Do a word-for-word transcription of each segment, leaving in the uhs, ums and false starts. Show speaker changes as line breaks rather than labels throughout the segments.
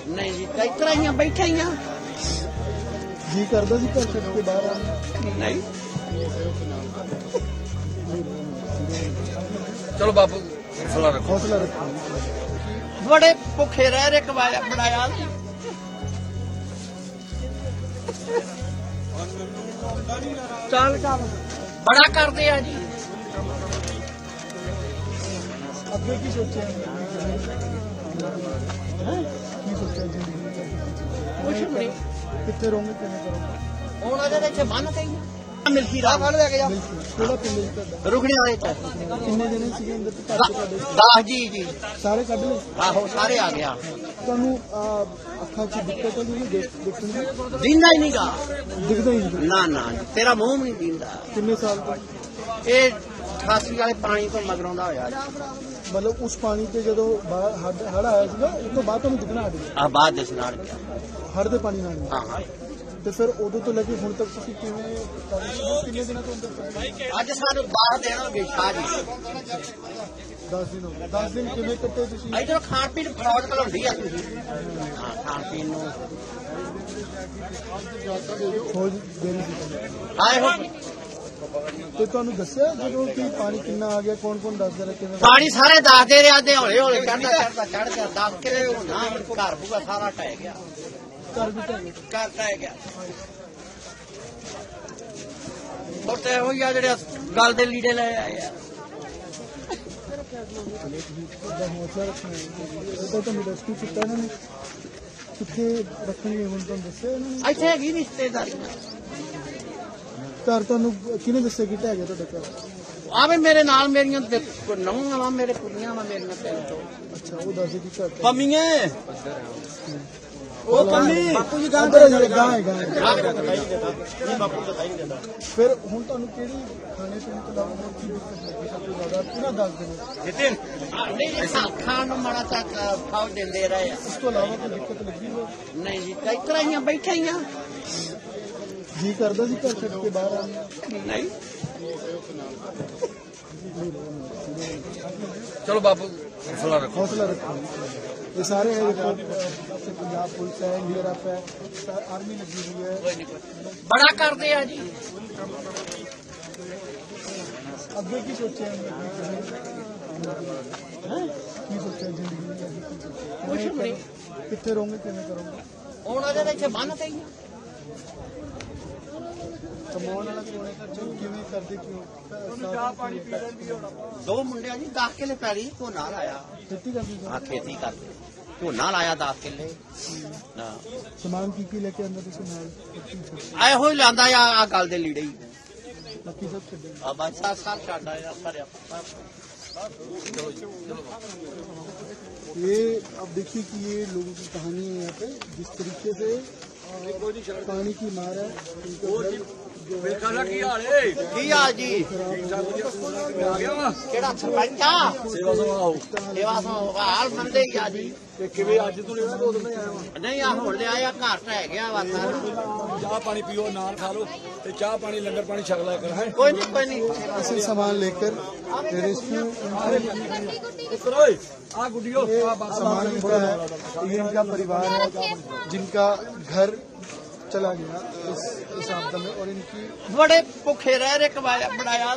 नहीं जी कई तरह ही बैठे ही
जी करदा सी घर छड्ड के बाहर आने
नहीं।
चलो बापू हौसला रखो।
हौसला रखो।
बड़े भुखे रह रहे कमाया बनाया चल चल बड़ा करते हैं जी।
ਅੱਗੇ ਕੀ ਸੋਚਿਆ ਕੀ ਸੋਚਿਆ ਜੀ
कुछ भी नहीं
ਕਿੱਥੇ ਰਹੋਗੇ ਕਿਵੇਂ ਕਰੋਗੇ
ਹੁਣ ਉਹਦੇ ਵਿੱਚ ਬੰਨ ਕਈ ਮਿਲਕੀ ਰਾਹ ਫੜ ਲੈ ਕੇ ਜਾ
ਕਿਹੜਾ ਪਿੰਡ ਹੈ ਤੁਹਾਡਾ
ਰੁਕਣੇ ਵਾਲੇ ਚ
ਕਿੰਨੇ ਜਣੇ ਸੀਗੇ ਅੰਦਰ ਤੇ ਘਰ 'ਚ ਤੁਹਾਡੇ
ਦਾਸ ਜੀ ਜੀ
ਸਾਰੇ ਕੱਢ ਲਏ
ਆਹੋ ਸਾਰੇ ਆ ਗਿਆ
ਤੁਹਾਨੂੰ ਆਹ, ਅੱਖਾਂ 'ਚ ਦਿੱਕਤ ਹੋਈ ਦੇਖ ਦੇਖਣ ਦੀ
ਦਿੰਦਾ ਹੀ ਨਹੀਂਗਾ
ਦਿਖਦਾ ਹੀ ਨਹੀਂ
ਨਾ ਨਾ ਤੇਰਾ ਮੂੰਹ ਨਹੀਂ ਦਿੰਦਾ
ਕਿੰਨੇ ਸਾਲ ਤੋਂ
ਇਹ ਅਠਾਸੀ ਵਾਲੇ ਪਾਣੀ ਤੋਂ ਮਗਰੋਂ ਦਾ ਹੋਇਆ
ਮਤਲਬ ਉਸ ਪਾਣੀ ਤੇ ਜਦੋਂ ਬਾਹਰ ਹੜ ਹੜ ਆਇਆ ਸੀਗਾ ਉਸ ਤੋਂ ਬਾਅਦ ਤੁਹਾਨੂੰ ਦਿਖਣਾ ਹਟ ਗਿਆ
ਆ ਬਾਅਦ ਦੇ ਸੁਨਾੜ ਗਿਆ
ਹੜ ਦੇ ਪਾਣੀ ਨਾਲ
ਹਾਂ ਹਾਂ
ਤੇ ਫਿਰ ਉਦੋਂ ਤੋਂ ਲੈ ਕੇ ਹੁਣ ਤੱਕ ਤੁਸੀਂ ਕਿਵੇਂ ਕਰ ਰਹੇ ਹੋ? ਕਿੰਨੇ ਦਿਨਾਂ ਤੋਂ ਅੰਦਰ
ਅੱਜ ਸਾਨੂੰ ਬਾਹਰ ਦੇਣਗੇ ਸ਼ਾਹ ਜੀ
ਦਸ ਦਿਨ ਹੋ ਗਏ ਦਸ ਦਿਨ ਕਿਵੇਂ ਕੱਟੇ ਤੁਸੀਂ
ਇਧਰ ਖਾਣ ਪੀਣ ਫਰੌਡ ਘਲਾਉਂਦੀ ਆ ਤੁਸੀਂ ਹਾਂ ਖਾਣ ਪੀਣ ਨੂੰ
ਖੋਜ ਦੇਣੀ ਸੀ
ਆਏ ਹੋ
ਤੇ ਤੁਹਾਨੂੰ ਦੱਸਿਆ ਜਦੋਂ ਕਿ ਪਾਣੀ ਕਿੰਨਾ ਆ ਗਿਆ ਕੌਣ ਕੌਣ ਦੱਸਦਾ ਰਿਹਾ ਕਿਵੇਂ
ਪਾਣੀ ਸਾਰੇ ਦੱਸਦੇ ਰਿਹਾ ਦੇ ਹੌਲੇ ਹੌਲੇ ਚੜਦਾ ਚੜਦਾ ਚੜ ਗਿਆ ਦੱਸ ਕੇ ਨਾ ਘਰ ਬੂਗਾ ਸਾਰਾ ਟਹਿ ਗਿਆ
ਘਰ ਵੀ ਢਹਿ ਗਏ
ਘਰ ਟਹਿ ਗਿਆ ਉਹ ਤੇ ਹੋਈ ਆ ਜਿਹੜੇ ਗੱਲ ਦੇ ਲੀੜੇ ਲੈ ਆਏ ਆ
ਦਾ ਹੌਸਲਾ ਰੱਖਣਾ ਹੈ ਇਹ ਤਾਂ ਤੁਹਾਨੂੰ ਰੈਸਕਿਊ ਕੀਤਾ ਇਹਨਾਂ ਨੇ ਕਿੱਥੇ ਰੱਖਣਗੇ ਹੁਣ ਤੁਹਾਨੂੰ ਦੱਸਿਆ ਇਹਨਾਂ ਨੇ
ਇੱਥੇ ਹੈਗੀ ਰਿਸ਼ਤੇਦਾਰੀ
ਘਰ ਤੁਹਾਨੂੰ ਕਿਹਨੇ ਦੱਸਿਆ ਕਿ ਢਹਿ ਗਿਆ ਤੁਹਾਡਾ ਘਰ
ਆਵੇ ਮੇਰੇ ਨਾਲ ਮੇਰੀਆਂ ਨੌਂ ਵਾ ਮੇਰੇ ਕੁੜੀਆਂ ਵਾ ਮੇਰੀਆਂ ਤਿੰਨ ਤੋਂ
ਅੱਛਾ ਉਹ ਦੱਸਦੇ ਕਿ ਘਰ
ਪਮੀਏ ਉਹ ਪੰਮੀ
ਬਾਪੂ ਜੀ ਗਾਂ ਗਾਂ ਹੈ ਗਾਂ ਹੈ ਫਿਰ ਹੁਣ ਤੁਹਾਨੂੰ ਕਿਹੜੀ ਖਾਣੇ ਪੀਣੇ ਤੋਂ ਇਲਾਵਾ ਹੋਰ ਕੀ ਦਿੱਕਤ ਲੱਗੀ ਸਭ ਤੋਂ ਜ਼ਿਆਦਾ ਪੂਰਾ ਦੱਸ ਦੇਣਾ
ਨਿਤਿਨ
ਨਹੀਂ ਖਾਣ ਨੂੰ ਮਾੜਾ ਤੱਕ ਖਾਓ ਦਿੰਦੇ ਰਹੇ ਆ
ਇਸ ਤੋਂ ਇਲਾਵਾ ਕੋਈ ਦਿੱਕਤ ਲੱਗੀ ਹੋਵੇ
ਨਹੀਂ ਜੀ ਕਈ ਤਰ੍ਹਾਂ ਹੀ ਬੈਠੇ ਹੀ ਆ
ਜੀ ਕਰਦਾ ਸੀ ਘਰ ਛੱਡ ਕੇ ਬਾਹਰ ਆਉਣ
ਨਹੀਂ।
चलो बापू हौसला रखो।
हौसला रखो। ये सारे है देखो पंजाब पुलिस है यूएफ है आर्मी लगी हुई है
बड़ा करते हैं जी
ਅੱਗੇ ਕੀ ਸੋਚਿਆ ਕੀ ਸੋਚਿਆ ਜ਼ਿੰਦਗੀ ਵਿੱਚ
ਕੁਛ ਵੀ ਨਹੀਂ
ਕਿੱਥੇ ਰਹੋਗੇ ਕਿਵੇਂ ਕਰੋਗੇ
ਹੁਣ ਉਹਦੇ ਵਿੱਚ ਬੰਨ ਤੇ ਹੀ
ਕਮਾਉਣ ਵਾਲਾ ਕੋਲੇ ਤਾਂ ਜੋ ਕਿਵੇਂ ਕਰਦੇ ਕਿਉਂ ਚਾਹ ਪਾਣੀ ਪੀ ਲੈਂਦੀ ਹੋਣਾ
ਦੋ ਮੁੰਡਿਆਂ ਜੀ ਦਸ ਕਿੱਲੇ ਪੈਲੀ ਝੋਨਾ ਲਾਇਆ
ਖੇਤੀ ਕਰਦੀ
ਆ ਖੇਤੀ ਕਰਦੇ ਝੋਨਾ ਲਾਇਆ ਦਸ ਕਿੱਲੇ ਹਾਂ
ਸਮਾਨ ਕੀ ਕੀ ਲੈ ਕੇ ਆਉਂਦੇ ਤੁਸੀਂ ਨਾਲ
ਆਏ ਹੋਈ ਲਾਂਦਾ ਆ ਆ ਗੱਲ ਦੇ ਲੀੜੇ ਹੀ
ਬਾਕੀ ਸਭ ਛੱਡੇ
ਆ ਬਸ ਸਾਲ ਸਾਲ ਛੱਡ ਆਇਆ ਭਰਿਆ
ये अब देखिए कि ये लोगों की कहानी है यहाँ पे जिस तरीके से पानी की मार है
ਕੀ ਹਾਲ ਜੀ ਕਿਹੜਾ ਸਰਪੰਚ ਆ
सेवा सभाओ
ਸੇਵਾ ਸੰਭਾਲ ਮੰਦੇ ਹੀ ਆ ਜੀ
किवे अज तू लेना दो दिन आया
ਨਹੀਂ ਆ ਹੁਣ ਲਿਆ ਆ ਘਰ ਟਹਿ ਗਿਆ ਵਾ ਸਾਰਾ
चाह पानी पियो नान खा लो ते चाह पानी लंगर पानी छक लिया कर है
ਕੋਈ ਨਹੀਂ ਕੋਈ ਨਹੀਂ
ऐसे सामान लेकर रेस्क्यू
आ गुडियो
सामान मिलता है ये इनका परिवार है जिनका घर चला गया इस इस आपदा में और इनकी
बड़े भुखे रह रहे कमाया बनाया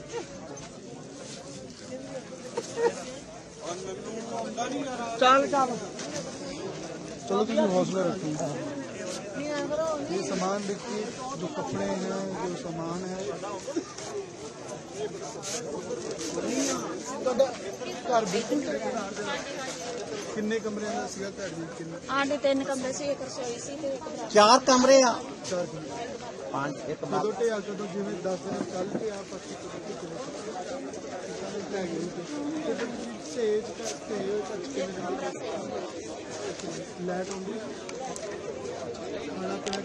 चल चल
चलो तुम हौसला रखो ये सामान देखिए जो कपड़े हैं जो सामान है घर बिल्कुल किन्ने कमरे का सीगा घर जी किन्ने
आंटे तीन कमरे से एक रसोई सी ते एक बरामदा।
चार कमरे आ
चार कमरे
पांच एक
कदों ढेया कदों जिवें दस दिन कल के आप पच्ची कदों के चले लाइट आउंदी खाना पीना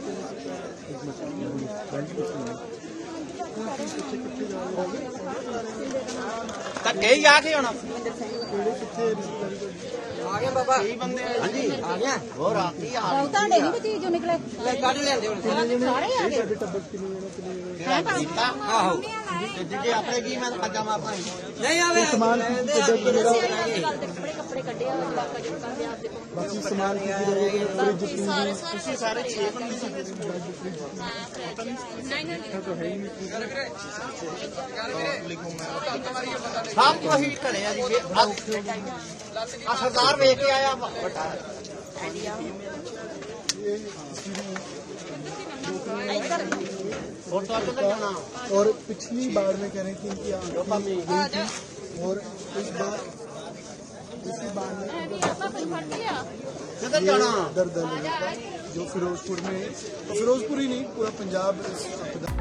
धक्के ही आ गए होना
किहड़े कित्थे रिश्तेदारी
ਕਈ ਬੰਦੇ ਹਾਂਜੀ ਆ ਗਿਆ ਹੋਰ ਰਾਤੀ ਆ
ਉਹ ਤੁਹਾਡੇ ਨਹੀਂ ਕੋਈ ਜੋ ਨਿਕਲੇ
ਕੱਢ ਲੈਂਦੇ ਹੁਣ
ਸਾਰੇ ਆ ਗਏ
ਸਾਡੇ ਟੱਬਰ ਕਿੰਨੇ ਜਣੇ ਕਿੰਨੇ ਜਣੇ
ਹੈ ਤਾਂ
ਆਹੋ ਤੇ ਜੇ ਆਪਣੇ ਕੀ ਮੈਂ ਕੱਜਾ ਮਾਰਨਾ ਨਹੀਂ ਆਵੇ
ਸਮਾਨ ਕੀ ਕੀ ਕੱਢਿਆ ਕਿ ਮੇਰਾ
ਗੱਲ ਤੇ ਕੱਪੜੇ ਕੱਪੜੇ ਕੱਢੇ ਆ ਬਾਕਾ ਜੀ ਕਰਦੇ ਆਪਦੇ ਕੋਲ
ਬਾਕੀ ਸਮਾਨ ਕੀ ਕੀ ਰਹਿ ਗਿਆ ਫ੍ਰਿਜ ਜਿੰਨੀ
ਸਾਰੇ ਸਾਰੇ ਸਾਰੇ ਛੇ ਬੰਦੇ ਸੀ ਨਹੀਂ ਨਹੀਂ
ਸਭ ਕੁਝ ਹੀ ਘਰੇ ਆ ਜੀ ਆ ਸਰਦਾਰ ਵੇਖ ਕੇ ਆਇਆ ਵੱਡਾ ਹੋਰ ਤਾਂ ਕਿੱਥੇ ਜਾਣਾ
और पिछली बार में कह रहे थे कि आंखें गई थी और इस बार इसी बार में
ਵੀ ਆਪਾਂ ਕੋਈ ਫੜ ਲਿਆ
ਕਿੱਥੇ ਜਾਣਾ
दर्द है जो फिरोजपुर में तो फिरोजपुर ही नहीं पूरा पंजाब इस आपदा